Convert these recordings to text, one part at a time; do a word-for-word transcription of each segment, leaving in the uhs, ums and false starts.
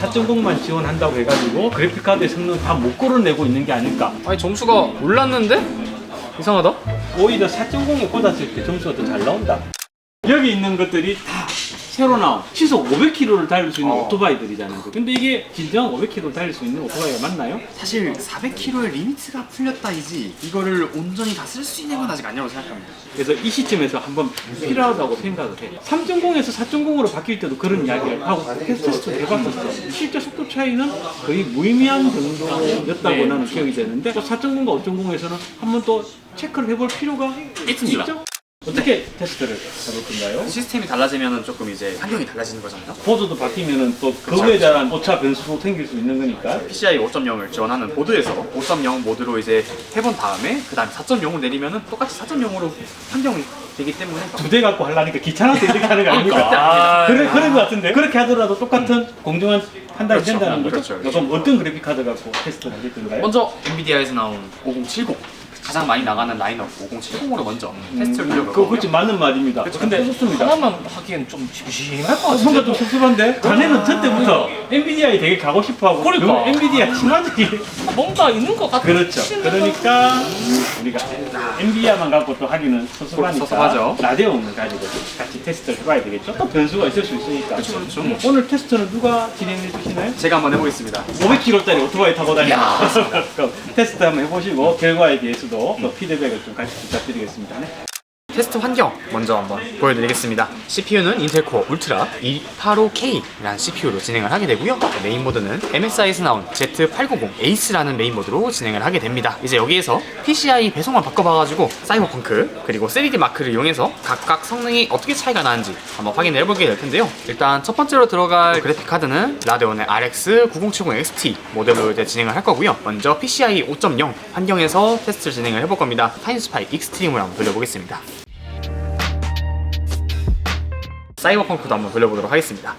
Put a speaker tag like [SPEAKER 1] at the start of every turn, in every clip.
[SPEAKER 1] 사 점 공만 지원한다고 해가지고 그래픽카드의 성능 다 못 끌어내고 있는 게 아닐까.
[SPEAKER 2] 아니 점수가 올랐는데? 이상하다?
[SPEAKER 1] 오히려 사 점 공에 꽂았을 때 점수가 더 잘 나온다. 여기 있는 것들이 다 새로 나온 시속 오백 킬로미터를 달릴 수 있는
[SPEAKER 2] 어.
[SPEAKER 1] 오토바이들이잖아요. 근데 이게 진정 오백 킬로미터를 달릴 수 있는 오토바이가 맞나요?
[SPEAKER 2] 사실 사백 킬로미터의 리미트가 풀렸다이지 이거를 온전히 다 쓸 수 있는 건 아직 아니라고 생각합니다.
[SPEAKER 1] 그래서 이 시점에서 한번 필요하다고 생각을 해. 삼 점 공에서 사 점 공으로 바뀔 때도 그런 이야기를 하고 테스트 해봤었어. 실제 속도 차이는 거의 무의미한 정도였다고
[SPEAKER 2] 네.
[SPEAKER 1] 나는 기억이 되는데 또 사 점 공과 오 점 공에서는 한번 또 체크를 해볼 필요가
[SPEAKER 2] 있습니다.
[SPEAKER 1] 있죠? 어떻게 테스트를 해볼 건가요?
[SPEAKER 2] 시스템이 달라지면 조금 이제 환경이 달라지는 거잖아요.
[SPEAKER 1] 보드도 바뀌면은 또 그거에 대한 오차 변수도 생길 수 있는 거니까.
[SPEAKER 2] 피시아이 오 점 영을 지원하는 보드에서 오 점 영 모드로 이제 해본 다음에 그 다음에 사 점 영을 내리면은 똑같이 사 점 영으로 환경이 되기 때문에
[SPEAKER 1] 두 대 갖고 하려니까 귀찮아서 이렇게 하는 거 아닙니까?
[SPEAKER 2] 아,
[SPEAKER 1] 그래, 그런 거 같은데. 그렇게 하더라도 똑같은 공정한 판단이
[SPEAKER 2] 그렇죠.
[SPEAKER 1] 된다는 거죠?
[SPEAKER 2] 그렇죠, 그렇죠.
[SPEAKER 1] 그럼 어떤 그래픽 카드 갖고 테스트를 하실 건가요?
[SPEAKER 2] 먼저 엔비디아에서 나온 오공칠공 가장 많이 나가는 라인업 오공칠공으로 먼저 테스트를
[SPEAKER 1] 그거
[SPEAKER 2] 돌려보고
[SPEAKER 1] 그렇지 맞는 말입니다. 근데 좋습니다.
[SPEAKER 3] 하나만 하기엔 좀 심심할 것
[SPEAKER 1] 어,
[SPEAKER 3] 같은데.
[SPEAKER 1] 뭔가 좀 섭섭한데? 자네는 전때부터 엔비디아에 되게 가고 싶어하고
[SPEAKER 3] 그러니까.
[SPEAKER 1] 너무 엔비디아 친화적이
[SPEAKER 3] 뭔가 있는 것 같아.
[SPEAKER 1] 그렇죠. 그러니까 우리가 엔비디아만 갖고 또 하기는 섭섭하니까
[SPEAKER 2] 섭섭하죠.
[SPEAKER 1] 라데온을 가지고 같이 테스트를 해봐야 되겠죠? 또 변수가 있을 수 있으니까.
[SPEAKER 2] 그렇죠, 그렇죠.
[SPEAKER 1] 음, 오늘 테스트는 누가 진행해 주시나요?
[SPEAKER 2] 제가 한번 해보겠습니다.
[SPEAKER 1] 오백 킬로미터짜리 오토바이 타고 다니는 그럼 테스트 한번 해보시고 결과에 대해서도 또 피드백을 좀 같이 부탁드리겠습니다. 네.
[SPEAKER 2] 테스트 환경 먼저 한번 보여드리겠습니다. 씨피유는 인텔 코어 울트라 이백팔십오 케이라는 씨피유로 진행을 하게 되고요. 메인보드는 엠에스아이에서 나온 제트 팔백구십 에이스라는 메인보드로 진행을 하게 됩니다. 이제 여기에서 피시아이 배송만 바꿔봐가지고 사이버펑크 그리고 쓰리디 마크를 이용해서 각각 성능이 어떻게 차이가 나는지 한번 확인을 해보게 될 텐데요. 일단 첫 번째로 들어갈 그래픽 카드는 라데온의 알엑스 구공칠공 엑스티 모델로 이제 진행을 할 거고요. 먼저 피시아이 오 점 영 환경에서 테스트를 진행을 해볼 겁니다. 타임스파이 익스트림을 한번 돌려보겠습니다. 사이버펑크도 한번 돌려보도록 하겠습니다.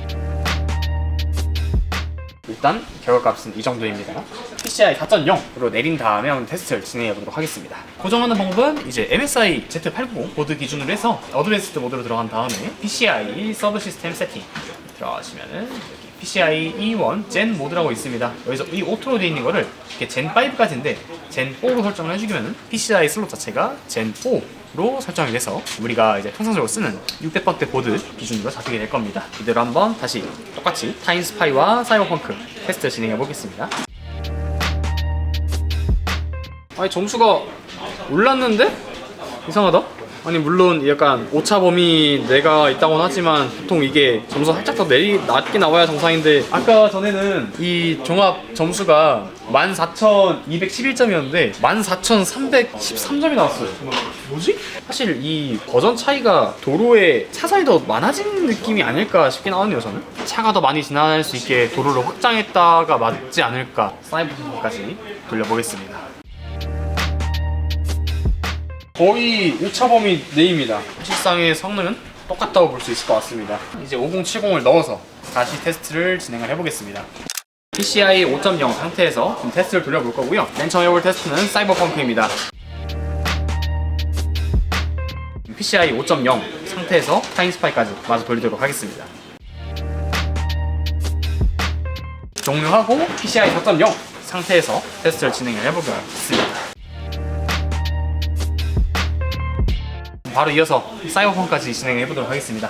[SPEAKER 2] 일단 결과값은 이 정도입니다. 피시아이 사 점 영으로 내린 다음에 한번 테스트를 진행해 보도록 하겠습니다. 고정하는 방법은 이제 엠에스아이 제트 팔백구십 보드 기준으로 해서 어드밴스드 모드로 들어간 다음에 피시아이 서브 시스템 세팅 들어가시면은 여기 피시아이 이 원 젠 모드라고 있습니다. 여기서 이 오토로 되어 있는 거를 이렇게 젠 파이브까지인데 젠 포로 설정을 해주면은 피시아이 슬롯 자체가 젠 포로 설정이 돼서 우리가 이제 통상적으로 쓰는 육백 번대 보드 기준으로 잡히게 될 겁니다. 이대로 한번 다시 똑같이 타임스파이와 사이버펑크 테스트 진행해 보겠습니다. 아니 점수가 올랐는데? 이상하다? 아니 물론 약간 오차 범위 내가 있다고는 하지만 보통 이게 점수가 살짝 더 내리 낮게 나와야 정상인데 아까 전에는 이 종합 점수가 만 사천이백십일 점이었는데 만 사천삼백십삼 점이 나왔어요. 뭐지? 사실 이 버전 차이가 도로에 차선이 더 많아진 느낌이 아닐까 싶긴 하네요. 저는 차가 더 많이 지나갈 수 있게 도로를 확장했다가 맞지 않을까. 사이버펑크까지 돌려보겠습니다. 거의 오차 범위 내입니다. 실상의 성능은 똑같다고 볼 수 있을 것 같습니다. 이제 오공칠공을 넣어서 다시 테스트를 진행을 해보겠습니다. 피시아이 오 점 영 상태에서 좀 테스트를 돌려볼 거고요. 맨 처음 해볼 테스트는 사이버펑크입니다. 피시아이 오 점 영 상태에서 타임스파이까지 마저 돌리도록 하겠습니다. 종료하고 피시아이 사 점 영 상태에서 테스트를 진행을 해보겠습니다. 바로 이어서 사이버펑크까지 진행해 보도록 하겠습니다.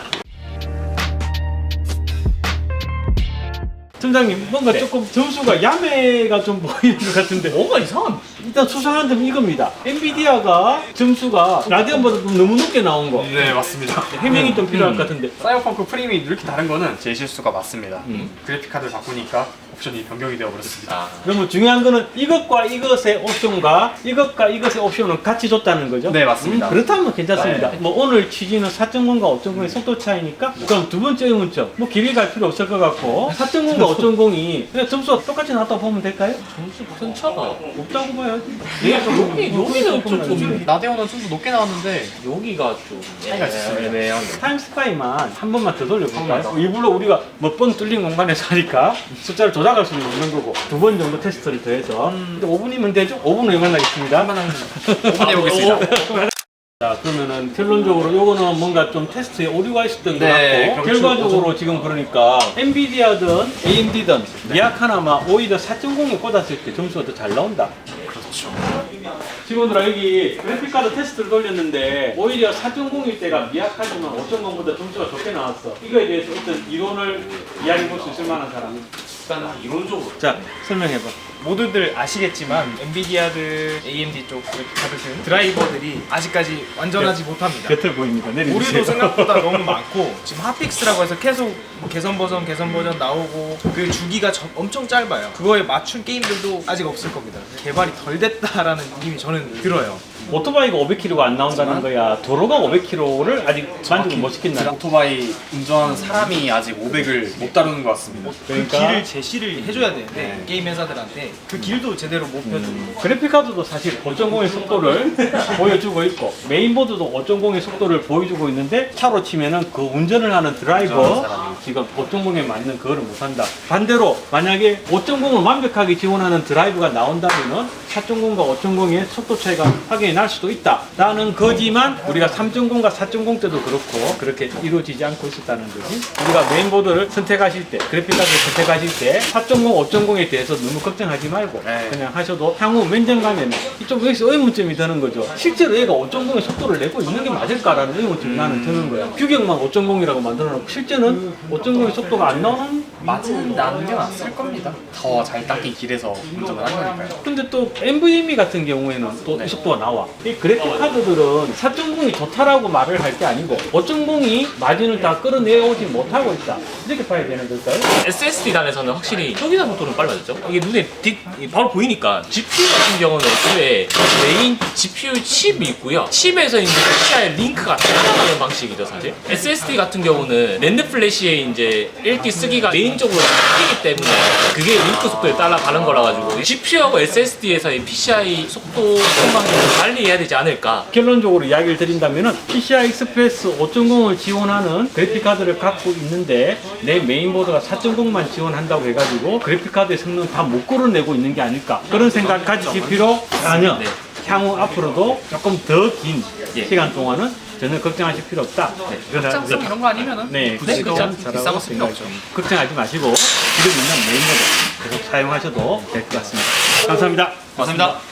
[SPEAKER 1] 팀장님 뭔가
[SPEAKER 3] 네.
[SPEAKER 1] 조금 점수가 야매가 좀 보이는 것 같은데
[SPEAKER 3] 뭔가 이상한.
[SPEAKER 1] 일단 수상한 점은 이겁니다. 엔비디아가 점수가 라데온보다 좀 너무 높게 나온 거.
[SPEAKER 2] 네 맞습니다.
[SPEAKER 1] 해명이 좀 필요할 것 같은데.
[SPEAKER 2] 사이버펑크 프레임이 이렇게 다른 거는 제 실수가 맞습니다. 그래픽 카드를 바꾸니까 옵션이 변경이 되어 버렸습니다.
[SPEAKER 1] 그러면 중요한 거는 이것과 이것의 옵션과 이것과 이것의 옵션은 같이 줬다는 거죠?
[SPEAKER 2] 네, 맞습니다.
[SPEAKER 1] 음, 그렇다면 괜찮습니다.
[SPEAKER 2] 네.
[SPEAKER 1] 뭐 오늘 취지는 사 점 공과 오 점 공의 속도 차이니까 그럼 두 번째 의문점 뭐 길이 갈 필요 없을 것 같고 사 점 공과 오 점 공이 그냥 점수가 똑같이 나왔다고 보면 될까요?
[SPEAKER 3] 점수 큰 차가.
[SPEAKER 1] 없다고 봐야지.
[SPEAKER 3] 여기 여기는 좀 좀.
[SPEAKER 2] 라데온은 좀 더 높게 나왔는데
[SPEAKER 3] 여기가 좀
[SPEAKER 2] 차이가 있습니다.
[SPEAKER 3] 애매한.
[SPEAKER 1] 타임스파이만 한 번만 더 돌려볼까요? 일부러 우리가 몇 번 뚫린 공간에서 하니까 숫자를 조작할 수는 없는 거고 두 번 정도 테스트를 더 해서 오 분이면 되죠? 오 분 후에 만나겠습니다.
[SPEAKER 2] 오 분 해보겠습니다.
[SPEAKER 1] 자, 그러면은 결론적으로 요거는 뭔가 좀 테스트에 오류가 있었던 것
[SPEAKER 2] 네,
[SPEAKER 1] 같고
[SPEAKER 2] 그럼
[SPEAKER 1] 결과적으로 지금 그러니까 엔비디아든 에이엠디든 미약 하나만 오히려 사 점 공에 꽂았을 때 점수가 더 잘 나온다.
[SPEAKER 2] 그렇죠.
[SPEAKER 1] 직원들아 여기 그래픽카드 테스트를 돌렸는데 오히려 사 점 공일 때가 미약하지만 오 점 공보다 점수가 좋게 나왔어. 이거에 대해서 어떤 이론을 이야기해 볼 수 있을 만한 사람.
[SPEAKER 3] 일단 이론적으로
[SPEAKER 1] 자, 설명해봐.
[SPEAKER 4] 모두들 아시겠지만 엔비디아들, 에이엠디 쪽 그래픽카드들 드라이버들이 아직까지 완전하지 못합니다.
[SPEAKER 1] 곁을 보입니다. 내려주세요.
[SPEAKER 4] 오류도 생각보다 너무 많고 지금 핫픽스라고 해서 계속 뭐 개선 버전 개선 버전 나오고 그 주기가 저- 엄청 짧아요. 그거에 맞춘 게임들도 아직 없을 겁니다. 개발이 덜 됐다라는 느낌이 저는 들어요.
[SPEAKER 1] 오토바이가 오백 킬로미터가 안 나온다는 거야. 도로가 오백 킬로미터를 아직 만족을 못 시켰나?
[SPEAKER 2] 오토바이 운전하는 사람이 아직 오백을 못 다루는 것 같습니다.
[SPEAKER 1] 그러니까
[SPEAKER 4] 그 길을 제시를 해줘야 되는데 게임 회사들한테 그 길도 제대로 못 펴주고
[SPEAKER 1] 그래픽카드도 사실 오 점 공의 속도를 보여주고 있고 메인보드도 오 점 공의 속도를 보여주고 있는데 차로 치면은 그 운전을 하는 드라이버 지금 오 점 공에 맞는 그거를 못한다. 반대로 만약에 오 점 공을 완벽하게 지원하는 드라이브가 나온다면은 사 점 공과 오 점 공의 속도 차이가 확연히 날 수도 있다 라는 거지만 우리가 삼 점 공과 사 점 공 때도 그렇고 그렇게 이루어지지 않고 있었다는 거지. 우리가 메인보드를 선택하실 때 그래픽카드를 선택하실 때 사 점 공, 오 점 공에 대해서 너무 걱정하지 말고
[SPEAKER 2] 네.
[SPEAKER 1] 그냥 하셔도 향후 면접 가면 이쪽 여기서 의문점이 드는 거죠. 실제로 얘가 오 점 공의 속도를 내고 있는 게 맞을까라는 의문점이 나는 드는 거야. 규격만 오 점 공이라고 만들어놓고 실제는 오 점 공의 속도가 안 나오는.
[SPEAKER 2] 맞은다는 게 낫을 겁니다. 더 잘 닦인 길에서 운전을 하는 거니까요.
[SPEAKER 1] 근데 또 엔브이엠이 같은 경우에는 또 이 속도가 나와. 이 그래픽 카드들은 사 점 공이 좋다라고 말을 할 게 아니고 오 점 공이 마진을 다 끌어내오지 못하고 있다. 이렇게 봐야 되는 걸까요?
[SPEAKER 3] 에스에스디 단에서는 확실히 초기화 속도는 빨라졌죠. 이게 눈에 딕, 이 바로 보이니까 지피유 같은 경우는 애초에 메인 지피유 칩이 있고요. 칩에서 이제 피씨아이 링크가 따라가는 방식이죠, 사실. 에스에스디 같은 경우는 랜드 플래시에 이제 읽기 쓰기가 메인적으로 바뀌기 때문에 그게 링크 속도에 따라가는 거라 가지고 지피유하고 에스에스디에서의 피씨아이 속도 상방을 관리해야 되지 않을까.
[SPEAKER 1] 결론적으로 이야기를 드린다면은 피씨아이 익스프레스 오 점 공을 지원하는 그래픽카드를 갖고 있는데 내 메인보드가 사 점 공만 지원한다고 해가지고 그래픽카드의 성능 다 못 끌어내고 있는 게 아닐까 그런 생각 가지실 필요 전혀.
[SPEAKER 3] 네.
[SPEAKER 1] 향후 앞으로도 조금 더 긴
[SPEAKER 3] 예.
[SPEAKER 1] 시간 동안은 전혀 걱정하실 필요 없다. 네.
[SPEAKER 2] 확장성 이런 거 아니면은
[SPEAKER 1] 네,
[SPEAKER 2] 굳이
[SPEAKER 1] 그건
[SPEAKER 2] 그냥
[SPEAKER 1] 잘하고
[SPEAKER 2] 비싼 거
[SPEAKER 1] 생각이
[SPEAKER 2] 필요 없죠.
[SPEAKER 1] 걱정하지 마시고 지금 있는 메인보드 계속 사용하셔도 될 것 같습니다. 감사합니다.
[SPEAKER 2] 감사합니다.